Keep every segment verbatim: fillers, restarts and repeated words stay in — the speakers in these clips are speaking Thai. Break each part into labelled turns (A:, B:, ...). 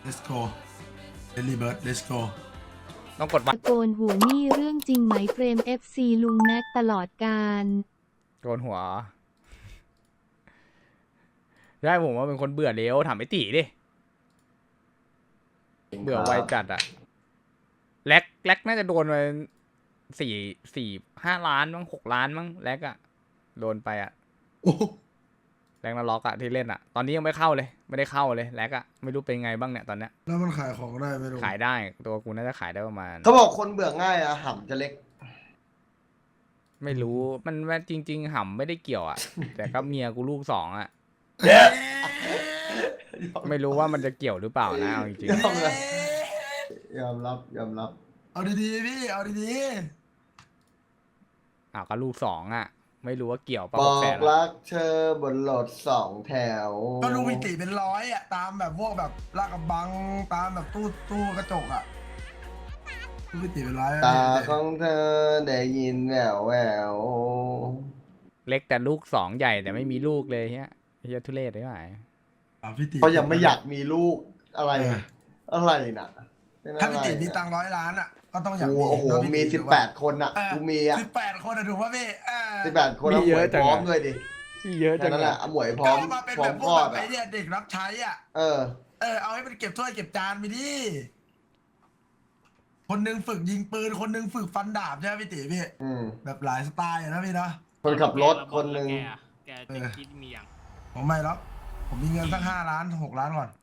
A: let's go Early Bird let's go
B: ต้องกดวัด
C: ตะโกนหัวนี่เรื่องจริงไหมเฟรม เอฟ ซี ลุงแม็กตลอดการ
B: โกนหัวได้ผมว่าเป็นคนเบื่อเร็วถามไอ้ตีดิเบื่อไวจัดอะแล็กแล็กน่าจะโดนไปสี่สี่ห้าล้านมั้งหกล้านมั้งแล็กอะโดนไปอะแล็กนาล็อกอะที่เล่นอะตอนนี้ยังไม่เข้าเลยไม่ได้เข้าเลยแล็กอะไม่รู้เป็นไงบ้างเนี่ยตอนเนี้ย
A: แล้วมันขายของได้ไหมลุง
B: ขายได้ตัวกูน่าจะขายได้ประมาณ
D: เขาบอกคนเบื่อง่ายอะหำจะเล็ก
B: ไม่รู้มันว่าจริง ๆ ห่ำไม่ได้เกี่ยวอะ แต่ก็เมียกูลูกสองอะไม่รู้ว่ามันจะเกี่ยวหรือเปล่านะเอาจริง
D: ยอมรับยอมรับยอมรับ
A: เอาดีๆพี่เอาดี
B: ๆอ้าวก็ลูกสองอะไม่รู้ว่าเกี่ยว
D: บ
B: ป่ะ
D: อ
B: หกแส
D: ก
B: น
D: รักเธอบนรถสองแถว
A: ๆก็ลุงพิติเป็นร้อยอ่ะตามแบบพวกแบบลาดกระบังตามแบบตู้ตู้กระจกอ่ะลุงพิติเป็นร้อยอะ
D: ตาของเธอได้ยินแววแวว
B: เล็กแต่ลูกสองใหญ่แต่ไม่มีลูกเลยเฮียเฮียทุเรศได้ไหม
A: อ่ะพี่ติ
D: เขายังไม่อยากมีลูกอะไร
A: เออ
D: อะไรน่ะเป็นอะไร
A: ถ้าพี่ติมีตังค์ร้อยล้านอ่ะก็ต้องอยาก
D: กู
A: มี
D: โอ้โห
A: เนอะพี่
D: มี
A: ติ
D: สิบ
A: ถูก
D: แป
A: ปะ
D: ดคนอ่ะ
A: เออ
D: กูมีอ่ะ
A: สิบแปดคนอะถูกป่ะพี่เออ
D: สิบแปดคนแล้วหมวยพร้อมเลยดิ
B: ที่เยอะจั
D: แค่
B: ง
D: นั้นแห
B: อะ
D: ละเอาหมวยพร้อม
A: ก็มาเป็น
D: พร้อ
A: แบ
D: ม
A: บพ
D: คว ล
A: ก
D: อ
A: แบ
D: ด
A: บไอ้
D: อ่ะ
A: เนี่ยเด็กรับใช้อ่ะ
D: เออ
A: เออเอาให้มันเก็บถ้วยเก็บจานไปดิคนหนึงฝึกยิงปืนคนหนึงฝึกฟันดาบใช่ไหมพี่ติพี่
D: อืม
A: แบบหลายสไตล์อะนะพี่เนาะ
D: คนขับรถคนหนึ่ง
E: แกจะคิดมีอย่าง
A: ผมไม่หรอกผมมีเงินสักห้าล้านหกล้านก่อน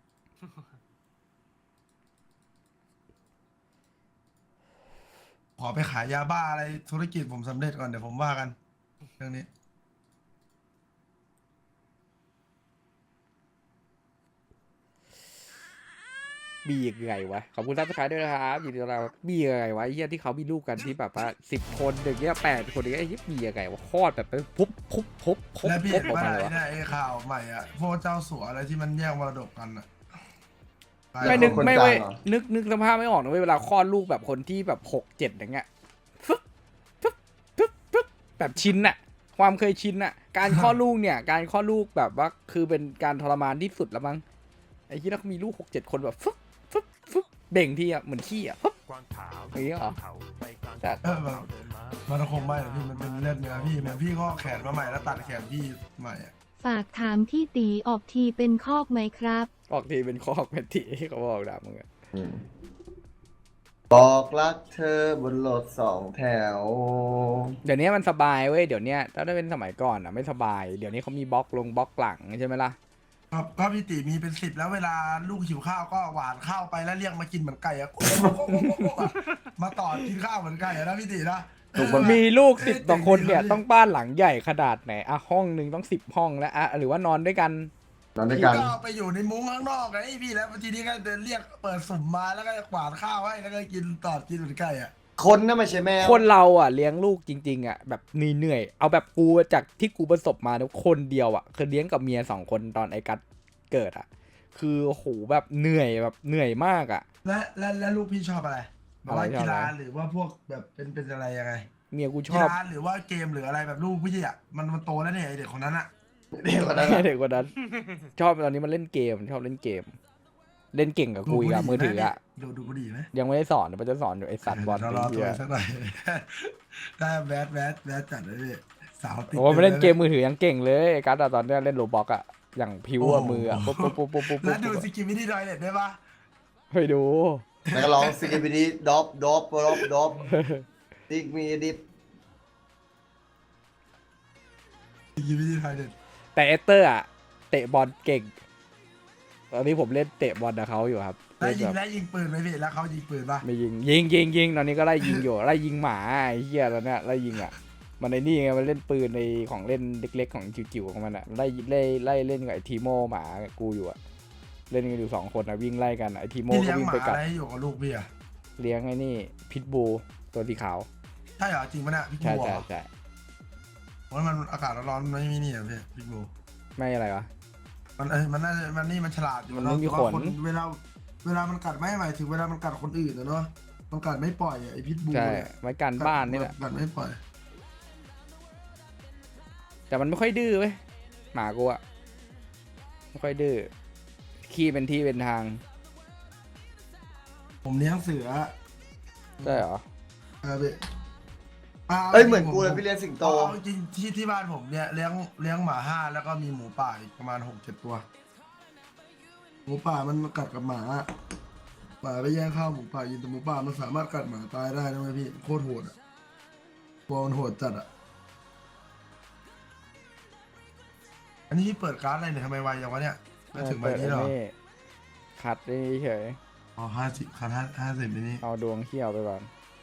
A: ขอไปขายยาบ้าอะไรธุรกิจผมสำเร็จก่อนเดี๋ยวผมว่ากัน เรื่องนี้
B: บียังไงวะขอบคุณท่านผู้ชมด้วยนะครับยินดีต้อนรับบียังไงวะไอ้เฮียที่เขามีลูกกันที่แบบว่าสิบคนอย่างเงี้ยแปดคนอย่างเงี้ยไอ้เฮียบียังไงวะคลอดแบบไปปุ๊บปุ๊บปุ๊บปุ๊บ
A: แล้วพี่
B: ปุ๊บ
A: เห็น
B: ออก
A: ว่า
B: มา
A: ไหน
B: เลยวะ
A: เนี่ยไอ้ข่าวใหม่อ่ะพวกเจ้าสัวอะไรที่มันแย่งมรดกกันอ่ะ
B: ไม่นึก
D: คน
B: ไม่
D: กลาง
B: เว้ย
D: เหรอ
B: นึกนึกสภาพไม่ออกนะเว้ยเวลาคลอดลูกแบบคนที่แบบหกเจ็ดอย่างเงี้ยฟึ๊บฟึ๊บฟึ๊บฟึ๊บแบบชินอะความเคยชินอะการคลอดลูกเนี่ยการคลอดลูกแบบว่าคือเป็นการทรมานที่สุดแล้วมั้งไอ้ที่เรามีลูกหกเจ็ดคนแบบฟึ๊บฟึ๊บฟึ๊บเบ่งทีอะเหมือนขี้อะฟึ๊บอย่างเงี้ยเหรอแต่
A: เออแบบมันคงไม่หรอกพี่มันเป็นเลือดเนื้อพี่เหมือนพี่ก็แขนมาใหม่แล้วตัดแขนพี่ใหม่อ่ะ
C: ฝากถามพี่ตีออกทีเป็นคอกไหมครับ
B: ออกทีเป็นคอกเป็นทีเขาบอกด่ามึงอะ
D: อืมบอกรักเธอบนรถสองแถว
B: เดี๋ยวนี้มันสบายเว้ยเดี๋ยวนี้ถ้าได้เป็นสมัยก่อนอะไม่สบายเดี๋ยวนี้เขามีบล็อกลงบล็อกหลังใช่ไหมล่ะ
A: ครับก็พี่ติมีเป็นสิบแล้วเวลาลูกหิวข้าวก็หวานข้าวไปแล้วเรียกมากินเหมือนไก่อะ มาต่อกินข้าวเหมือนไก่อะนะพี่ตินะ
D: ถูกปะ
B: มีลูกสิบต่อคนเนี่ยต้องบ้านหลังใหญ่ขนาดไหนอะห้องหนึ่งต้องสิบห้องแล้วอะหรือว่านอนด้วยกัน
D: นอนด้วย
A: พี่
D: กัน
A: ก็ไปอยู่ในมุ้งข้างนอกไงพี่แล้วทีนี้ก็เดินเรียกเปิดสุ่มมาแล้วก็หวานข้าวให้แล้วก็กินตอดกินเหมือนไก่อะ
D: คนน่ะไม่ใช่แมว
B: คนเราอ่ะเลี้ยงลูกจริงๆอ่ะแบบเหนื่อยๆเอาแบบกูจากที่กูประสบมานะคนเดียวอ่ะคือเลี้ยงกับเมียสองคนตอนไอ้กัดเกิดอ่ะคือโหแบบเหนื่อยแบบเหนื่อยมากอ่ะ
A: และและและลูกพี่ชอบอะไรแบบว่า
B: อะไรชอบ
A: กีฬา
B: อะไร
A: หรือว่าพวกแบบเป็นเป็นอะไรยังไง
B: เมียกูช
A: กี
B: อบ
A: ฬาหรือว่าเกมหรืออะไรแบบลูกพี่อะมันมันโตแล้วเนี่ยไอเด็กคนนั้นอะ
D: เด็กกว่านั้นอะ
B: เด็กกว่านั้นชอบตอนนี้มันเล่นเกมชอบเล่นเกม เล่นเก่งกับกูอีกอะมือถืออ่ะ
A: ดูดูกูดีไหม
B: ยังไม่ได้สอนเดี๋ยวมันจะสอนอยู่ไอ้สัตว์บอล
A: เรา
B: ไอ้
A: รอตั
B: เหี้
A: วย สักหน่อย ได้แบดแบดแบดจัดเลยพี่สาวติด
B: โอ้มันเล่นเกมมือถือยังเก่งเลยไอ้กัดอะตอนเนี้ยเล่นโรบอกอะอย่างพิวอะมืออะปุ๊บปุ๊บปุ๊บปุ๊บปุ๊บ
A: แล้วดูสกิมมินี่ดอยเน็ตได้ปะ
B: ไปดู
D: แล้วก็ร้องซิกิบิดีดอปดอปดอปดอปติ๊กมีดิฟ
A: สกิมมินี่ดอยเน็ต
B: แต่เอสเตอร์อะเตะบอลเก่ง ตอนนี้ผมเล่นเตะบอลกับเขาอยู่ครับ
A: แล้วยิง
B: แบบ
A: แล้วยิงปืนไหมพี่แล้วเขายิงปืนปะ
B: ไม่ยิงยิงยิงยิงตอนนี้ก็ไล่ยิงอยู่ ไล่ยิงหมาไอ้เหี้ยตอนเนี้ยไล่ยิงอ่ะมันในนี่ไงมันเล่นปืนในของเล่นเล็กๆของจิ๋วๆของมันอ่ะไล่ไล่ไล่เล่นกับไอ้ทีโมหมากูอยู่อ่ะเล่นกันอยู่สองคนอ่ะวิ่งไล่กันไอ้ทีโม
A: พี่
B: ก็
A: เลี้ยง
B: วิ่ง
A: หมา
B: ไปกั
A: อะ
B: ด
A: ไรให้อยู่กับลูกพี่อะ
B: เลี้ยงไอ้นี่พิทบูตัวสีขาว
A: ใช่เหรอจริงปะเนี่ยพี่
B: ใช่
A: บัว
B: ใช่ใช่
A: เพราะมันอากาศร้อนๆไม่มีนี่อะพี่พี่บัว
B: ไม่อะไรวะ
A: มันเออมันน่าจะมันนี่มันฉลาดอยู่
B: มัน
A: เนาะ
B: ไม่มี
A: แต่ว่า
B: ขน
A: เวลาเวลามันกัดไม่หมายถึงเวลามันกัดคนอื่นนะเนาะมันกัดไม่ปล่อยอะไอพิษบู
B: ใช่
A: เนี่ย
B: ไว้กันบ้านนี่แหละ
A: กัดไม่ปล่อย
B: แต่มันไม่ค่อยดื้อเว้ยหมากูอ่ะไม่ค่อยดื้อขี้เป็นที่เป็นทาง
A: ผมเลี้ยงเสือ
B: ใช่เหรอ
A: เออพี่
D: เอ้ยเหมือนกูเลยพี่เลี้ยงสิงโต
A: เอาจริงที่ที่บ้านผมเนี่ยเลี้ยงเลี้ยงหมาห้าแล้วก็มีหมูป่าอีกประมาณหกเจ็ดตัว หมูป่ามันกัดกับหมาหมาไปแย่งข้าวหมูป่ากินแต่หมูป่ามันสามารถกัดหมาตายได้นะเว้ยพี่โคตรโหดอ่ะตัวมันโหดจัดอ่ะอันนี้พี่เปิดการ์ดอะไรเนี่ยทำไมไวอย่างวะเนี่ยไม่ถึงใบนี้หรอ
B: ขัดนี่เฉย
A: อ๋อห้าสิบคันห้าห้าสิบนี้
B: เอาดวงเขี้ยวไปก่อน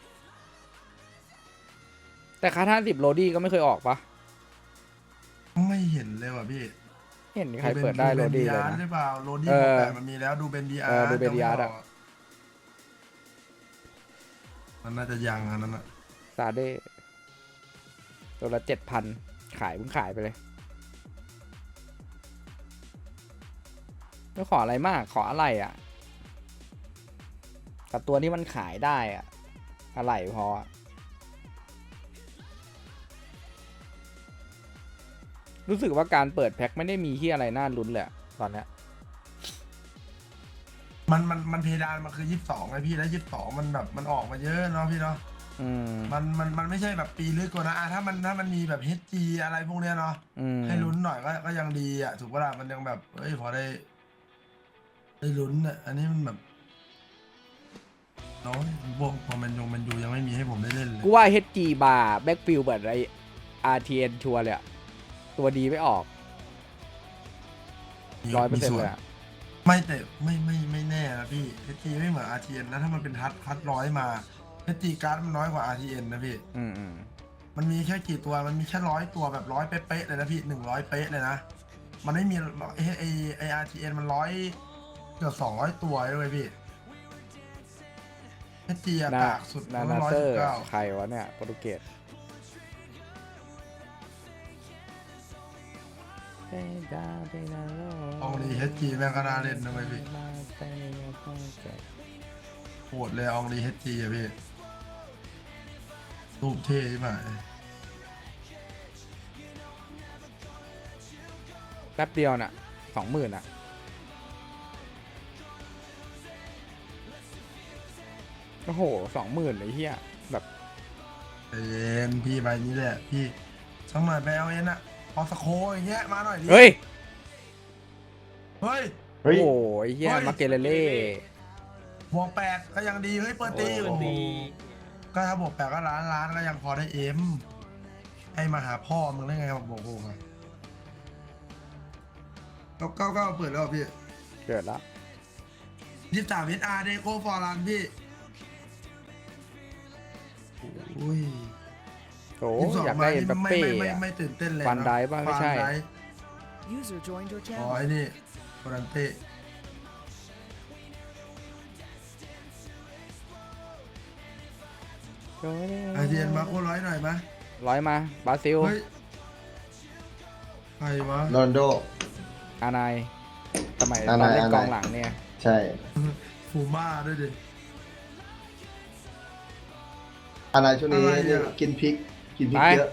B: แต่คัดห้าสิบโรดี้ก็ไม่เคยออกปะ
A: ไม่เห็นเลยว่ะพี่
B: เห็นใครเปิดได้โรดี้เลย
A: ห
B: นะ
A: รือเปล่าโรดี้
B: เออ
A: แต่มันมีแล้วดูเบนดีอา
B: เออ
A: ร์
B: ดูเบนดีอาร์อะ
A: มันน่าจะยังอันนั้นอ่ะ
B: ซาเด้ตัวละเจ็ดพันขายเพิ่งขายไปเลยไม่ขออะไรมากขออะไรอ่ะกับตัวที่มันขายได้อ่ะอะไรพออะรู้สึกว่าการเปิดแพ็คไม่ได้มีที่อะไรน่าลุ้นเลยอะตอนเนี้ย
A: มันมันมันเพดานมันคือยี่สิบสองไงพี่แล้วยี่สิบสองมันแบบมันออกมาเยอะเนาะพี่เนาะ
B: อืม
A: มันมันมันไม่ใช่แบบปีลึกกว่านะอ่ะถ้ามันถ้ามันมีแบบ เอช จี อะไรพวกเนี้ยเนาะ
B: อืม
A: ให้ลุ้นหน่อยก็ก็ยังดีอ่ะถูกปะล่ะมันยังแบบเอ้ยพอได้ได้ลุ้นอ่ะอันนี้มันแบบน้อยพวกพอมันยงมันยูยังไม่มีให้ผมได้เล่นเลย
B: กูว่า เอช จี บาร์แบ็กฟิลแบบไร อาร์ ที เอ็น ชัวร์เลยอะตัวดีไม่ออกร้อยเปอร์เซ็นต์เลยอะ
A: ไม่แต่ไม่ไม่ไม่แน่นะพี่เอชจีไม่เหมือน อาร์ ที เอ็น นะถ้ามันเป็นทัดทัดร้อยมาเอชจีการ์ดมันน้อยกว่า อาร์ ที เอ็น นะพี่
B: อืมอืม
A: มันมีแค่กี่ตัวมันมีแค่ร้อยตัวแบบร้อยเป๊ะๆเลยนะพี่หนึ่งร้อยเป๊ะเลยนะมันไม่มีไอไอไอ อาร์ ที เอ็น มันร้อยเกือบสองร้อยตัวเลยพี่เอชจีอะ
B: นา
A: ปากสุด
B: นา
A: ร้
B: นา
A: อย
B: เซอ
A: สิบ
B: ร์
A: เก้า
B: ใครวะเนี่ยโปรตุเกส
A: อองลีเอชจีแม่งก็น่าเล่นนะเว้ยพี่โหดเลยอองลีเอชจีอะพี่รูปเท่ใช่ไหม
B: แป๊บเดียวน่ะสองหมื่นอ่ะโอ้โหสองหมื่นไอ้เหี้ยแบบ
A: ใจเย็นพี่ใบนี้แหละพี่สักหน่อยไปเอาเอ็นอะพอสโคอย่างเงี้ยมาหน่อยดิ
B: เฮ้ย
A: เฮ้ย
D: เฮ้ย
B: โอ้ยเหี้ย
A: เฮ้ย
B: มาเกเลเล่
A: บวกแปดก็ยังดีเฮ้ยเปิดตี
B: โอ้
A: โอ้โหก็ถ้าบวกแปดก็ล้านล้านก็ยังพอได้เอ็มให้มาหาพ่อมึงได้ไงบอกโอ้โหเก้าเก้าเก้าเปิดแล้วเหรอพี่
B: เกิดละ
A: ยี่สิบสามเอสอาร์เดโก้ฟอร์ลันพี่อุ้ย
B: โอ้
A: ยี่สิบสอง
B: อยาก
A: มา
B: ได้เอ็
A: นี่
B: มบัป
A: ไม่
B: เป้
A: ไม่ไม่
B: อะ
A: ไม่ตื่นเต้นเลย
B: ฟันไดฟ์ป่ะไม่ใช่
A: ฟันดฟ์
E: User joined your
A: อ๋อ
E: channel.
A: ไอ้นี่ฟอรันเต้ไอเทียนมาโคร้อยหน่อยไหม
B: ร้อยมาบราซิล
A: เฮ้ยใครวะ
D: โรนลโด
B: อานายสมัยต
D: อา
B: อน
D: นาย
B: เล่น
D: อานาย
B: กองหลังเนี่ย
D: ใช่
A: ฟูม่าด้วยดิ
D: อันไหนช่วงนี้
A: อะไรเนี่ย
D: กินพริก กินพริกเยอะ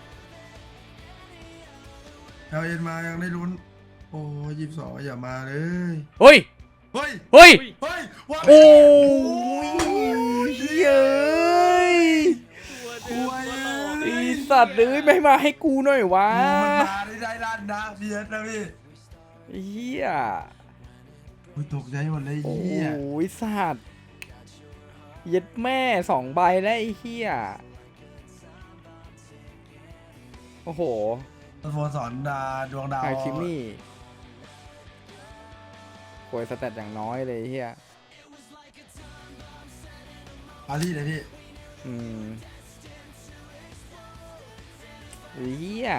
A: เอาเอ็นมายังได้ลุ้น โอ้ยี่สิบสองอย่ามาเลย
B: เฮ้ย
A: เฮ้ย
B: เฮ้ย
A: เฮ้ยว่า
B: โอ้ยเย้ย
A: คุย
B: ไอสัตว์เลยไม่มาให้กูหน่อยวะ
A: มันมาได้ได้ด้านนะเบียดนะพี่
B: เฮีย
A: อุ้ยตกใจหมดเลย
B: โอ้
A: เฮีย
B: ยสัตว์เย็ดแม่สองใบแล้วไอ้เฮียโอ้โห
A: สโมสรดาดวงดาว
B: ไฮคิมมี่โวยสแตทอย่างน้อยเลยไอ้เฮีย
A: ปารีสเลยพี่
B: อืมเฮีย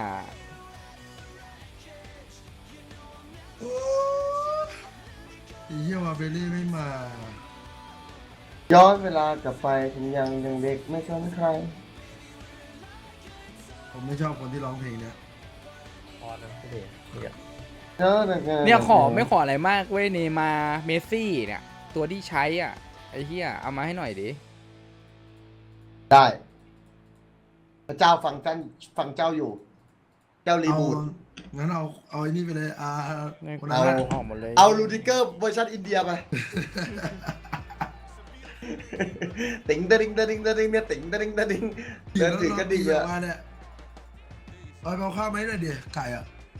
A: อีเฮียว่าเบลลี่ไม่มา
D: ย้อนเวลากลับไปผมยังยังเด็กไม่สนใคร
A: ผมไม่ชอบคนที่ร้องเพลงเนี้ย
B: เนี่ยขอไม่ขออะไรมากเว้ยเนย์มาร์เมสซี่เนี่ย ตัวที่ใช้อ่ะ ไอ้เฮียเอามาให้หน่อยดิ
D: ได้ พระเจ้าฟังท่านฟังเจ้าอยู่ เจ้ารี
A: เอา
D: บูท
A: งั้นเอาเอาไอ้นี่ไปเลยอ่าคน
B: เอา
A: นั้น
B: ออกหมดเลย
D: เอาลูดิเกอร์เวอร์ชันอินเดียไปติ๋งตะดิงตะดิงตะดิงเนี่ยติ๋งตะดิงตะดิงเดินถึงก็ดี
A: อะ
D: อะ
A: มาเนี่ยเอาไปเอาข้าวไหมหน่อยดิไก่อะ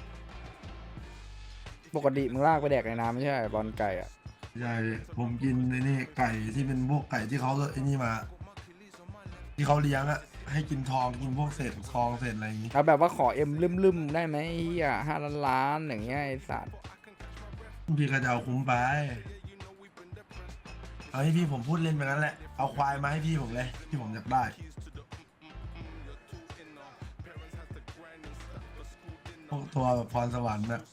B: ปกติมึงลากไปแดกในน้ำไม่ใช่บอลไก่อะ
A: ใช่ผมกินไอ้นี่ไก่ที่เป็นพวกไก่ที่เขาไอ้นี่มา ที่เขาเลี้ยงอะให้กินทองกินพวกเศษทองเศษอะไรอย่างงี้
B: เอาแบบว่าขอเอ็มลืมๆได้ไหมไอ้เฮียห้าล้านล้านอย่างเงี้ยไอ้สัตว์
A: พี่ก็จะเอาคุ้มไปเอาให้พี่ผมพูดเล่นไปงั้นแหละเอาควายมาให้พี่ผมเลยที่ผมอยากได้พวกตัวแบบพรสวรรค์น่ะ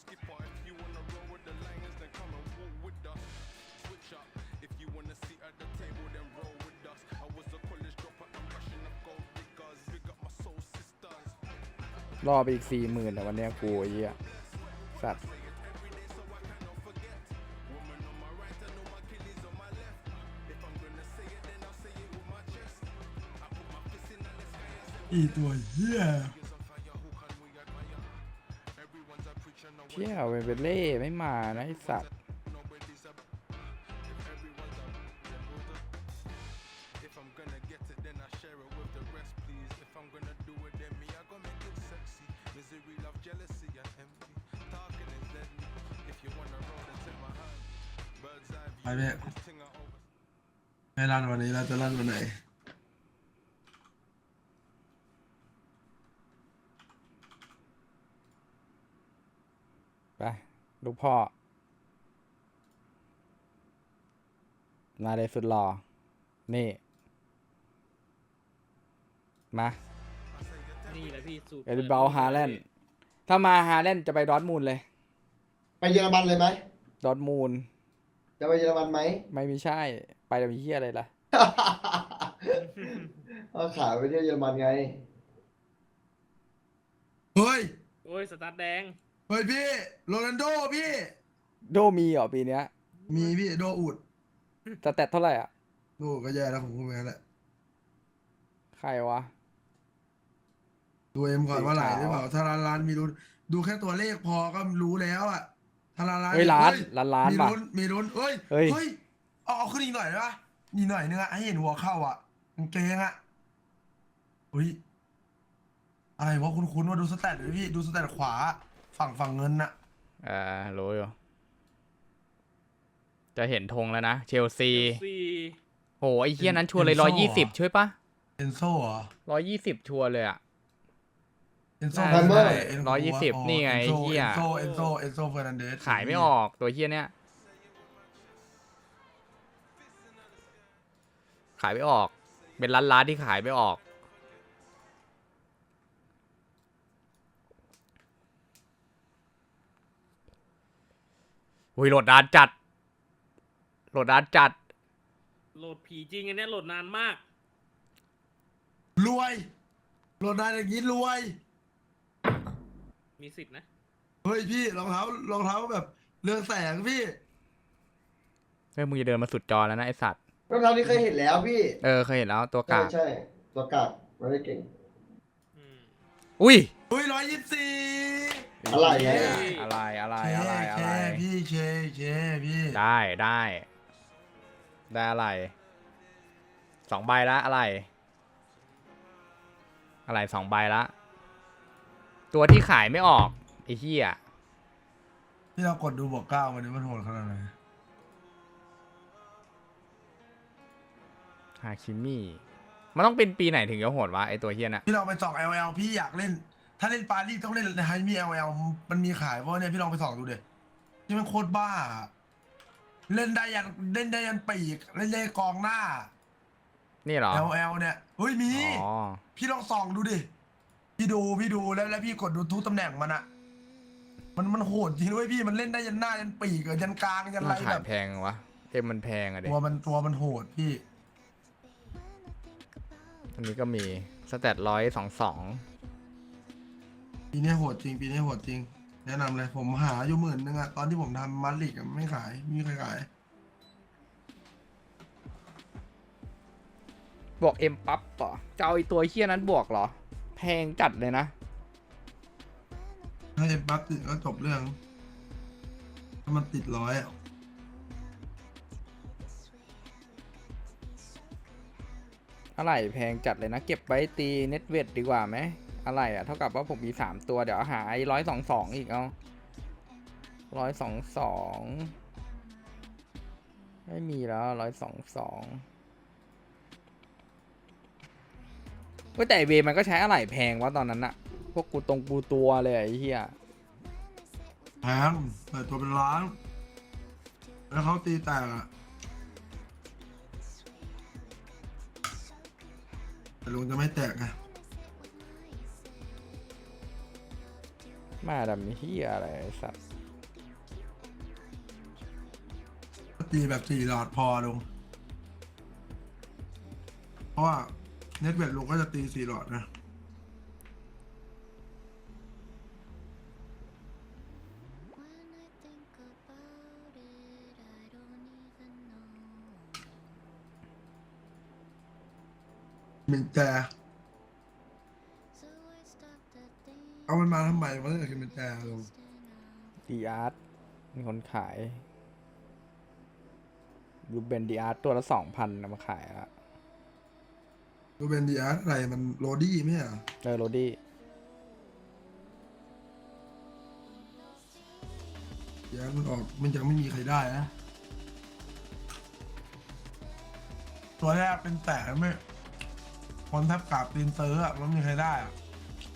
B: รอไปอีกสี่หมื่นแต่วันเนี้ยกูไอ้เหี้ยสัตว์
A: อีตัวเหี้ย
B: เชี่ยเวเบเล่ไม่มานะไอ้สัตว์
A: ไปเพ่ไม่รันวันนี้เราจะรันวันไหน
B: ไปลูกพ่อมาเลยสุดหล่อนี่มา
F: นี่แหละพี่สูตร
B: เอลิเบลฮาแลนด์ถ้ามาฮาแลนด์จะไปดอร์ทมูลเลย
D: ไปเยอรมันเลยไหม
B: ดอร์ทมูล
D: จะไปเยอรมันไหม
B: ไม่มีใช่ไปแต่มีเฮียอะไรล่ะ
D: เอาขายไปเที่ยวเยอรมันไง
A: เฮ้ย
F: โอ้ยสตาร์ทแดง
A: เฮ้ยพี่โรนัลโดพี่
B: โดมีเหรอปีเนี้ย
A: มีพี่โดอุด
B: สแตทเท่าไหร่อ่ะ
A: โดก็แย่แล้วผมก็แพ้แหละ
B: ใครวะ
A: ดูเอ็มก่อนว่าไหลหรือเปล่าถ้าร้านร้านมีลุ้นดูแค่ตัวเลขพอก็รู้แล้วอะถ้าร้านร้าน
B: เฮ้ยล้านล้านล้าน
A: มี
B: ป่ะ
A: ลุ้นมีลุ้นเฮ้ย
B: เฮ้ย
A: เฮ้ยเอาเอาขึ้นอีกหน่อยได้ปะอีกหน่อยนึงอะให้เห็นหัวเข้าอะกางเกงอะเฮ้ยอะไรวะคุ้นๆว่าดูสแตทเลยพี่ดูสแตทขวาฝั่งฝั่งเงินน่ะ
B: อ่ารู้อยู่จะเห็นธงแล้วนะ เชลซี
F: สี่
B: โหไอ้เฮียนั้นชัวร์เลยร้อยยี่สิบช่วยปะ
A: เอนโซ่เหรอ
B: ร้อยยี่สิบชัวร์เลยอ่ะ
A: เอนโซ่
B: ได้
A: คือใค
D: เอนโซ่
B: ร้อยยี่สิบนี่ไง
A: เอนโซ่
B: เหี้ย
A: เอนโซ่เอนโซ่เอนโซ่เฟอร์นันเดส
B: ขายไม่ออกตัวเฮียเนี้ยขายไม่ออก เป็นร้านร้านๆที่ขายไม่ออกอุ้ยโหลดนานจัดโหลดนานจัด
F: โหลดผีจริงอันเนี้ยโหลดนานมาก
A: รวยโหลดได้อย่างนี้รวย
F: มีสิทธินะ
A: เฮ้ยพี่รองเท้ารองเท้าแบบเรืองแสงพี่
B: เฮ้ยมึงจะเดินมาสุดจอแล้วนะไอสัตว์
D: รองเท้านี้เคยเห็นแล้วพี่
B: เออเคยเห็นแล้วตัว
D: ใช่
B: กาก
D: ใช่ตัวกากไม่ได้เก่ง
F: อืม
B: อุ้ย
A: เฮ้ยร้อยยี่สิบสี่
D: อะไรอะ
B: อะไรอะไร
A: เค
B: อะไร
A: เค
B: อะไร
A: พี่เคเคพี่
B: ได้ได้ได้อะไรสองใบละอะไร อะไรสองใบละ ตัวที่ขายไม่ออกไอ้เหี้ย
A: พี่เรากดดูบอกเก้ามันนี้มันโหดขนาดไหน
B: ฮาคิมิมันต้องเป็นปีไหนถึงจะโหดวะไอตัวเหี้ยน่ะ
A: พี่ลองไปส่อง แอล แอล พี่อยากเล่น ถ้าเล่นปารีสต้องเล่นไฮมี แอล แอล มันมีขายเพราะเนี่ยพี่ลองไปส่องดูเด็ที่มันโคตรบ้า เล่นได้ยันเล่นได้ยันปีกเล่นได้กองหน้า
B: นี่เหรอ
A: แอล แอล เนี่ยเฮ้ยมี
B: อ๋อ
A: พี่ลองส่องดูดิ พี่ดูพี่ดูแล้วแล้วพี่กดดูทุกตำแหน่งมันอะมันมันโหดจริงด้วยพี่มันเล่นได้ยันหน้ายันปีกอะยันกลางยันอะไร
B: มันขา
A: แบ
B: ย
A: บ
B: แพงวะเอ็มมันแพงอะเด็
A: ตัวมันตัวมันโหดพี่
B: อันนี้ก็มีสแตทร้อยสองสอง
A: ปีนี้โหดจริงปีนี้โหดจริง แนะนำเลยผมหาอยู่หมื่นนึงอะตอนที่ผมทำมัดลิกอะไม่ขายไม่มีใครขาย
B: บวกเอ็มปั๊บต่อจะเอาไอตัวเหี้ยนั้นบวกเหรอ แพงจัดเลยนะ
A: ถ้าเอ็มปั๊บติดก็จบเรื่อง ถ้ามันติดร้อยอะ
B: อะไรแพงจัดเลยนะ เก็บไว้ตีเน็ตเวทดีกว่าไหมอะไรอ่ะเท่ากับว่าผมมีสามตัวเดี๋ยวหาไอ้ร้อยสองสองอีกเอาร้อยสองสองไม่มีแล้วร้อยสองสองก็แต่เวมันก็ใช้อะไรแพงวะตอนนั้นอะพวกกูตรงกูตัวเลยไอ้เหี้ย
A: แพงแต่ตัวเป็นล้าน แล้วเขาตีแตกอะแต่ลุงจะไม่แตกไง
B: มาดำเหี้ยอะไรไอ้สัตว์
A: ตีแบบสี่หลอดพอลุงเพราะว่าเน็ตเวทลุงก็จะตีสี่หลอดนะ มินแจเอามันมาทำไมวะเนี่ยคือมินแจลุง
B: ดีอาร์ตมีคนขายรูเบนดีอาร์ตตัวละสองพันนำมาขายละ
A: ดูเป็นดีอาร์อะไรมันโรดี้ไหมอ่ะ
B: เออโรดี้
A: ดีอาร์มันออกมันยังไม่มีใครได้นะ ตัวแรกเป็นแต่ไม่คนทับกราบตีนเตอร์อ่ะมันไม่มีใครได้อ่ะ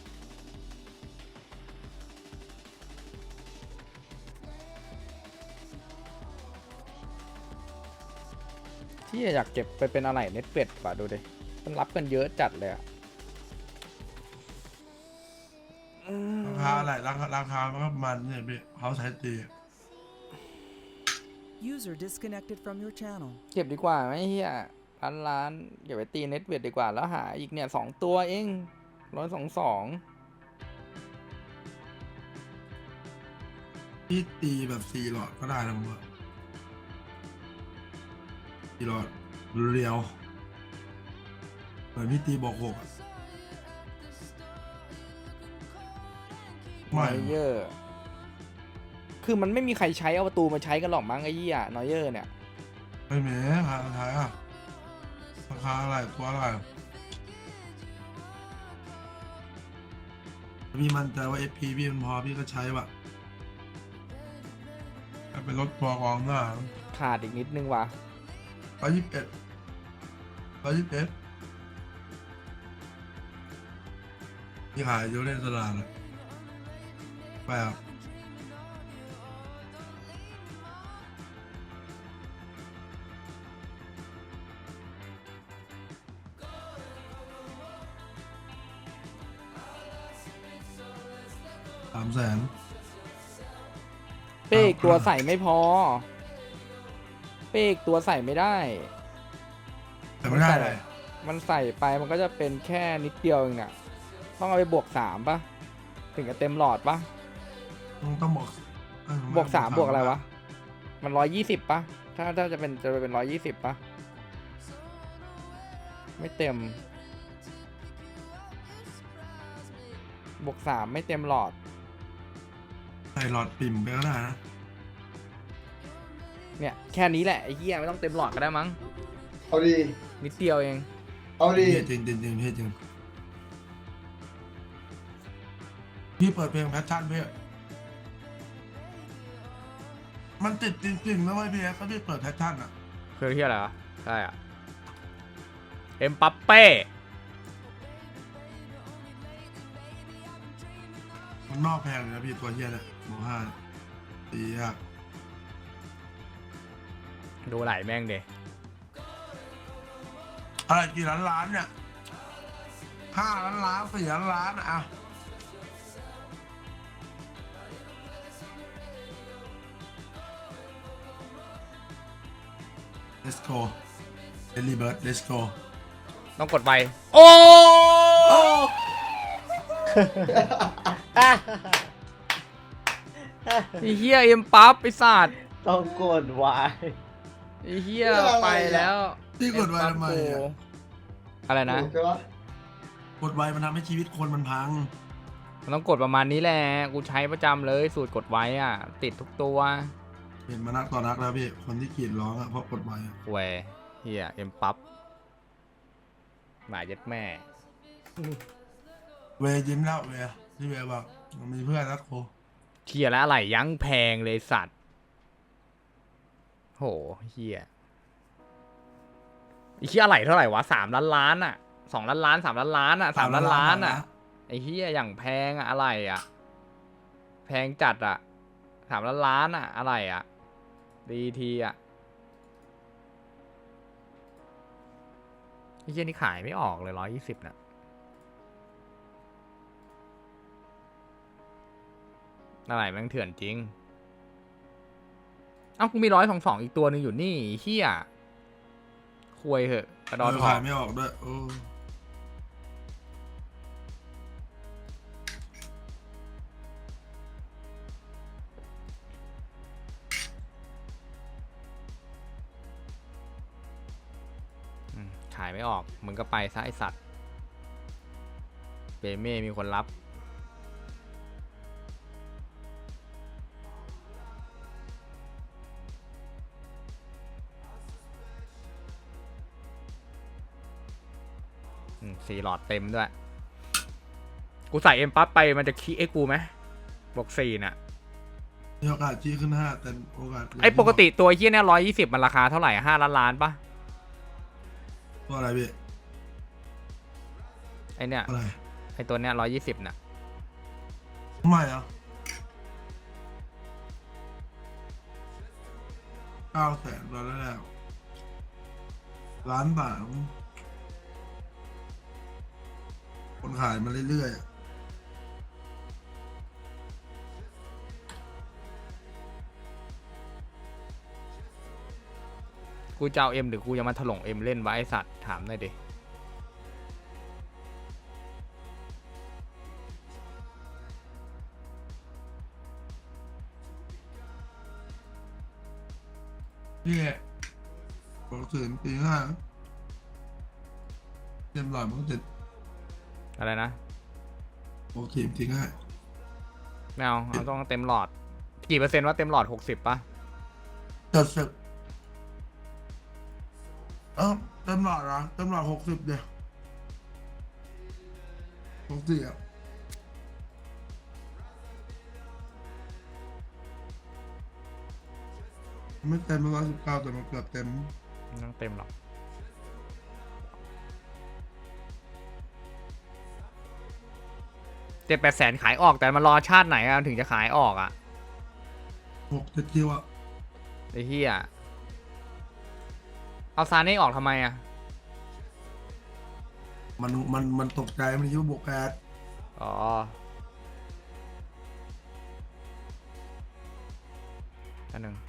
B: ที่อยากเก็บไปเป็นอะไรเน็ตเป็ดป่ะดูดิมันรับกันเยอะจัดเลยอะ
A: ราคาอะไรราคาราคามันก็ประมันเนี่ยพี่เขาใช้ตี
E: User disconnected from your channel.
B: เก็บดีกว่าไหมเฮียล้านล้านอย่าไปตีเน็ตเวทดีกว่าแล้วหาอีกเนี่ยสองตัวเองร้อยสองสอง
A: พี่ตีแบบสี่หลอดก็ได้แล้วมั้งสี่หลอดเรียวเหมือนพี่ตีบอกหกอะ
B: นอยเยอร์คือมันไม่มีใครใช้เอาประตูมาใช้กันหรอกมั้งไอ้เหี้ยนอยเยอร์เนี่ย
A: ไม่แม้ราคาราคาอะราคาอะไรตัวอะไรพี่มั่นใจว่า เอฟ พี พี่มันพอพี่ก็ใช้ว่ะถ้าเป็นรถตัวกองหน้า
B: ขาดอีกนิดนึงว่ะ
A: ร้อยยี่สิบเอ็ดร้อยยี่สิบเอ็ดที่ขายเยอะเล่นตลาดเลยไปครับสามแสน
B: เป้กตัวใส่ไม่พอ เป้กตัวใส่ไม่ได้
A: แต่ไม่ได้เลย
B: มันใส่ไปมันก็จะเป็นแค่นิดเดียวเองเนี่ยต้องเอาไปบวกสามป่ะถึงจะเต็มหลอดป่ะ
A: ต้องบอกเอ้ย
B: บวกสามบวกอะไรวะ มันร้อยยี่สิบป่ะ ถ้าถ้าจะเป็นจะเป็นร้อยยี่สิบป่ะ ไม่เต็ม บวกสามไม่เต็มหลอด
A: ใส่หลอดปิ่มไปก็ได้นะ
B: เนี่ยแค่นี้แหละไอ้เหี้ยไม่ต้องเต็มหลอดก็ได้มั้ง
D: เอาดี
B: นิดเดียวเอง
D: เอาดี
A: จริงจริงจริงพี่จริงพี่เปิดเพลงแพชชั่นพี่มันติดจริงๆนะเว้ยพี่ถ้าพี่เปิดแพชชั่นอ่ะ
B: คือที่อะไรวะใช่อ่ะ เอ็มปัปเป้
A: มันนอกแพงเลยนะพี่ตัวเฮียเนี่ยหมูห้าตียาก
B: ดูไหลแม่งเด
A: อะไรกี่ล้านล้านเนี่ยห้าล้านล้านสี่ล้านล้านอ่ะ let's go early bird let's go
B: ต้องกดไปโอ้ ไอ้เหี้ยเอ็มปั๊บไอ้สัตว์
D: ต้องกดไว้
B: ไอ้เหี้ยไปแล้ว
A: พี่กดไว้ทำไม
B: เอ็
A: อ่ะ
B: ปั๊บกูอะไรนะ
D: ถูกใช่ปะ
A: กดไว้มันทำให้ชีวิตคนมันพัง
B: มันต้องกดประมาณนี้แหละ กูใช้ประจำเลยสูตรกดไว้อ่ะ ติดทุกตัว
A: เห็นมานักต่อนักแล้วพี่คนที่กรีดร้องอ่ะเพราะกดไว้อะ
B: เวยเหี้ยเอ็มปั๊บหมาเย็ดแม่
A: เวย์ยิ้มแล้วเวย์ที่เวย์บอกมันมีเพื่อนรักโค
B: เฮียแล้วอะไรยั้งแพงเลยสัตว์โหเฮียไอ้เฮียอะไรเท่าไหร่วะสามล้านล้านอ่ะสองล้านล้านสามล้านล้านอ่ะสามล้านล้านอ่ะไอ้เฮียอย่างแพงอะอะไรอ่ะแพงจัดอ่ะสามล้านล้านอ่ะอะไรอ่ะดีทีอ่ะไอ้เฮียนี่ขายไม่ออกเลยร้อยยี่สิบน่ะอะไรแม่งเถื่อนจริงเอ้ากูมีร้อยสองสองอีกตัวหนึ่งอยู่นี่เฮียควยเหอะกระดอนทอ
A: ขาง ยไม่ออกด้วยโอ้
B: อืมขายไม่ออกมึงก็ไปซะไอสัตว์เปเม่มีคนรับอืมสี่หลอดเต็มด้วย กูใส่เอ็มปั๊บไปมันจะคีไอ้กูไหมบอกสี่น่ะ
A: มีโอกาสชี้ขึ้นห้าแต่โอกาส
B: ไอ้ปกติตัวเฮี้ยเนี่ยร้อยยี่สิบมันราคาเท่าไหร่ห้าล้านล้านปะ
A: ตัวอะไรพี่
B: ไอเนี่ย
A: อะไร
B: ไอตัวเนี้ยร้อยยี่สิบน่ะ
A: ไม่เหรอเก้าแสนตอนแรกล้านบาทคนขายมาเรื่อยๆ
B: กูจะเอาเอ็มหรือกูจะมาถล่มเอ็มเล่นวะไอสัตว์ถามหน่อยดิ
A: นี่บอกถึงตีห้าเต็มหลอดมันก็จะ
B: อะไรนะ
A: บอกทีมทิ้งให้
B: ไม่เอาเอาต้องเต็มหลอด กี่เปอร์เซ็นต์ว่าเต็มหลอดหกสิบปะ
A: จัดเสร็จเอ้าเต็มหลอดเหรอเต็มหลอดหกสิบเดียวหกสี่อ่ะไม่เต็มร้อยสิบเก้าแต่มันเกือบเต็ม
B: ไม่ต้องเต็มหรอกเจ็ดแปดแสนขายออกแต่มันรอชาติไหนอะถึงจะขายออกอะ
A: หกเจ็ดคิวอ่ะ
B: ไอ้เหี้ยเอาซาเน่ออกทำไมอะ
A: มันมันมันตกใจมันคิดว่าบวกแปด
B: อ๋ออันหนึ่ง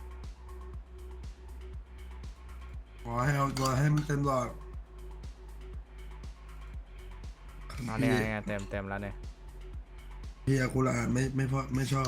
A: ขอให้เอาตัวให้มันเต็มหลอด
B: เอาเนี่ยเนี่ยเต็มเต็มแล้วเนี่ย
A: เฮียกูละอ่านไม่ไม่พอไม่ชอบ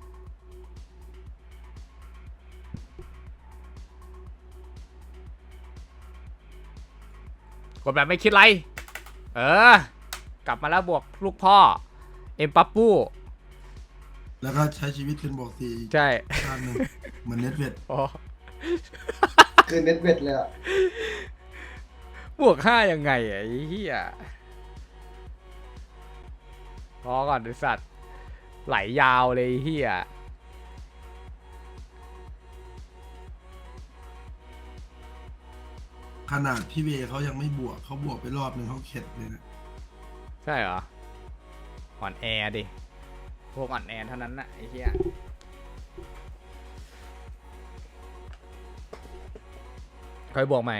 B: กดแบบไม่คิดไร เออ กลับมาแล้วบวกลูกพ่อ เอ็มปัปปู
A: แล้วก็ใช้ชีวิตเป็นบวกสี่อีก
B: ใช่
A: ชาติหนึ่งเหมือนเน็ตเวท
B: อ๋อ
D: คือเน็ตเวทเลยอ่ะ
B: บวกห้ายังไงอะไอ้เหี้ยพอก่อนไอ้สัตว์ ไหลยาวเลยไอ้เหี้ย
A: ขนาดพี่เวเขายังไม่บวกเขาบวกไปรอบหนึ่งเขาเข็ดเลยนะ
B: ใช่เหรอ อ่อนแอดิ พวกอ่อนแอเท่านั้นน่ะไอ้เหี้ย ค่อยบวกใหม่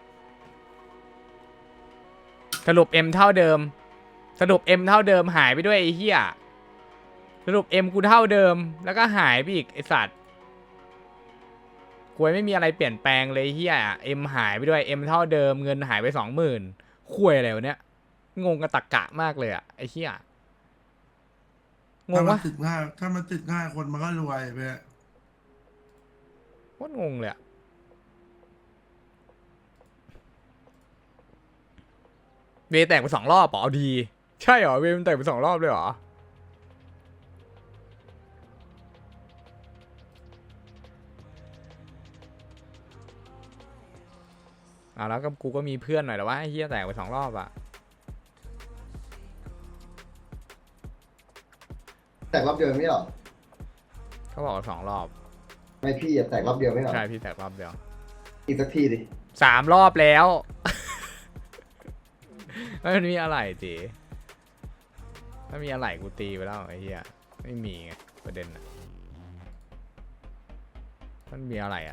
B: สรุป M เท่าเดิม สรุป M เท่าเดิมหายไปด้วยไอ้เหี้ย สรุป M กูเท่าเดิม แล้วก็หายไปอีกไอ้สัตว์กูไม่มีอะไรเปลี่ยนแปลงเลยไอ้เหี้ย M หายไปด้วย M เท่าเดิมเงินหายไปสองหมื่นคุยอะไรวะเนี้ย งงกับตะกะมากเลยอะไอ้เหี้ย ง
A: ถ้าง มัน
B: วะ
A: ติดง่ายถ้ามันติดง่ายคนมันก็รวยไป
B: โคตรงงเลยอะเวย์แตกไปสองรอบเหรอเอาดี ใช่เหรอเวย์มันแตกไปสองรอบเลยเหรออ่าแล้วก็กูก็มีเพื่อนหน่อยแต่ว่าไอ้เฮียแตกไปสองรอบอะ
D: แตกรอบเดียวไม่หรอ
B: เขาบอกว่าสองรอบ
D: ไม่พี่อะแตกรอบเดียวไม่หรอ
B: ใช่พี่แตกรอบเดียว
D: อีกสักทีดิ
B: สามรอบแล้ว ไม่มันมีอะไรจีถ้ามีอะไรกูตีไปแล้วไอ้เหี้ยไม่มีไงประเด็นอะมันมีอะไรอ